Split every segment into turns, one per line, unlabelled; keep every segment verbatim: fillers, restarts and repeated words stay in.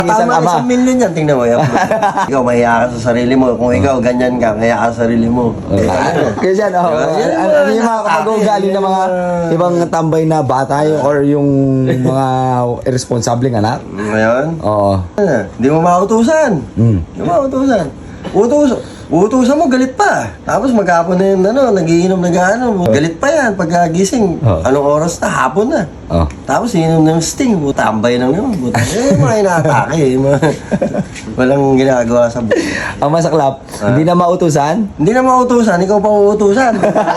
Isang
Tama,
ama.
isang milyon yan, tingnan mo. Yan. Ikaw, mahiya ka sa sarili mo. Kung ikaw, ganyan ka, mahiya ka sa sarili mo. Eh, ano?
Kaya dyan, oh,
Diba? Yan
ano
mga
ano yung mga
nakakaki,
kapag-ugali ng mga
yan
ibang tambay na bata yung, or yung mga irresponsibleng anak?
Ngayon,
Oo.
ano, hindi mo mautusan.
Mm.
Hindi mo mautusan. Utus, utusan mo, galit pa. Tapos maghapon na yun, ano, nagiinom, nag-ano. Galit pa yan. Pagkagising,
Oh.
anong oras na? Hapon na.
Oh.
Tapos inom ng sting, tambay lang yun. Buta. Eh, mga inaatake. Eh. Mga- Walang ginagawa sa buhay.
Ang masaklap, hindi na mautusan?
Hindi na mautusan, ikaw pa uutusan.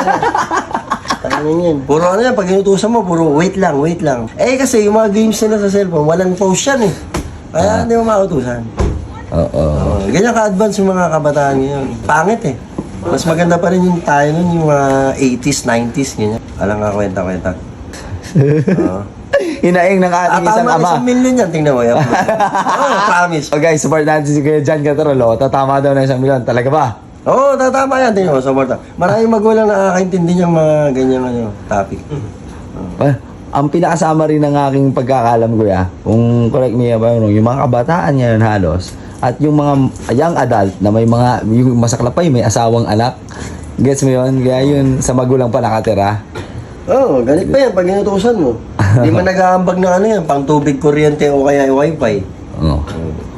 Ano yun? Puro ano yan, pag inutusan mo, puro wait lang, wait lang. Eh kasi yung mga games nila sa cellphone, walang pause yan eh. Kaya hindi mo mautusan.
Oo.
Oh, ganyan ka-advance yung mga kabataan ngayon. Pangit eh. Mas maganda pa rin yung tayo nun, yung mga eighties, nineties, ganyan. Alang nga kwenta-kwenta. Oo.
Hinaing ng
Ah,
ating isang
tama,
ama.
isang milyon yan, tingnan mo yan. Oh, promise.
So guys, support natin si Kuya John Catarolo. Tatama daw ng isang milyon. Talaga ba?
Oo, oh, tatama yan, tingnan mo, support. Maraming magulang nakakaintindi niyang mga ganyan ano, topic.
Pa- ang pinakasama rin ng aking pagkakalam, Kuya, kung correct me if I'm wrong, yung mga kabataan ngayon halos, at yung mga young adult na may mga, yung masaklap pa yung may asawang anak. Gets mo yun? Kaya yun sa magulang pa nakatira.
Oo, oh, galit pa yan pag inutusan mo. Hindi man nag-aambag na ano yan, pang tubig, kuryente o kaya wifi.
Oh.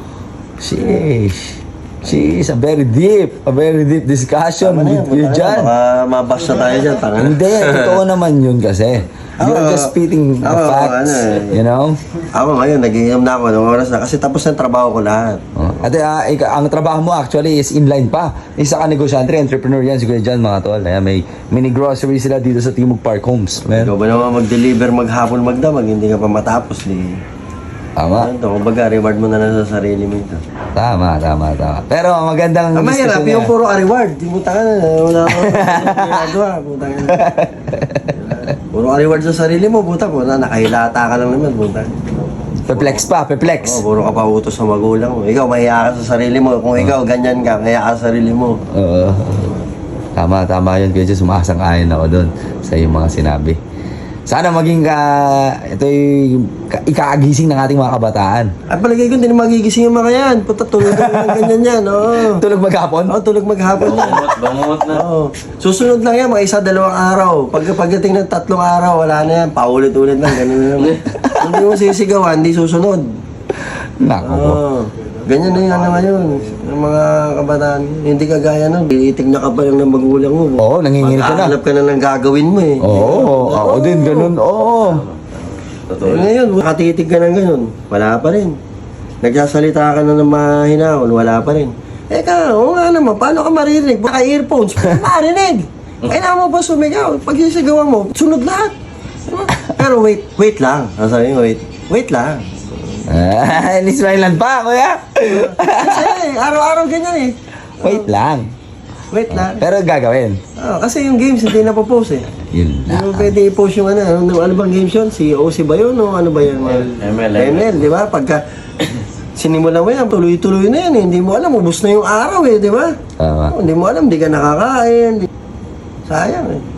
Sheesh. Sheesh, a very deep, a very deep discussion
Tama na yan,
with you,
punta na,
John.
baka mabas na tayo dyan, tanga na.
Hindi, totoo naman yun kasi. You are
Oo.
just spitting the
Oo,
facts,
ano eh.
you know?
Ako ngayon, nag-iinom na ako ng oras na kasi tapos na trabaho ko lahat.
Oh. At uh, ika- ang trabaho mo actually is inline pa. Isa ka negosyante, entrepreneur yan, siguro dyan mga tol. Ayan, may mini grocery sila dito sa Timog Park Homes. Man.
Ikaw ba naman mag-deliver maghapon magdamag, hindi ka pa matapos. Di.
Tama,
Ano to, kumbaga, reward mo na lang sa sarili mo ito.
tama, tama, tama. Pero ang magandang
Ang mahirap,
discussion
yung
niya.
puro reward. Di mo taka na, wala ako ginagawa. Puta ka na. Puro reward sa sarili mo, puta ko na, nakahilata ka lang naman, puta.
Perplex pa, perplex.
Oh, puro ka pa utos sa magulang mo. Ikaw, mahiya ka sa sarili mo. Kung ikaw, ganyan ka, mahiya ka sa sarili mo.
Oo. Tama, tama yun. Kaya sumasang-ayon ako doon sa iyong mga sinabi. Sana maging ka, ito yung ka- ikaagising ng ating mga kabataan.
At palagay ko, hindi na magigising yung mga yan. Puta, tulog na lang ganyan yan, oo.
Tulog maghapon?
Oo, tulog maghapon yan.
Bangot na.
Oo. Susunod lang yan, mga isa, dalawang araw. Pag pagdating ng tatlong araw, wala na yan. Paulit-ulit lang, ganun na naman. Hindi mo sisigawan, hindi susunod.
Nako po.
Oo. Ganyan na yan naman yun. Yung mga kabataan, hindi kagaya nun. Tinitig na ka pa lang ng magulang mo.
Oo, nanginginig ka na.
Maghahanap ka na ng gagawin mo eh.
Oo, ako din, ganun. Oo.
Eh, ngayon, nakatitig ka ng ganun, wala pa rin. Nagsasalita ka na ng mahinahon, wala pa rin. Eh ka, oo nga naman, paano ka maririnig? Baka earphones, paano marinig? Kailangan mo ba sumigaw? Pag sisigawan mo, sunod lahat. Diba? Pero wait, wait lang. Ang sabi mo, wait, wait lang.
Ah, Nismailan pa, kuya.
Kasi araw-araw ganyan eh.
Wait lang.
Wait lang.
Pero gagawin.
Oh, kasi yung games hindi na po-post eh.
Yun
Hindi
na.
mo pwede i-post yung ano, ano, ano bang games yun? Si O C ba yun o ano ba yun?
M L.
M L, di ba? Pagka sinimulan mo yan, tuloy-tuloy na yan eh. Hindi mo alam, ubus na yung araw eh, di ba?
Tama.
Oh, hindi mo alam, hindi ka nakakain. Di- Sayang eh.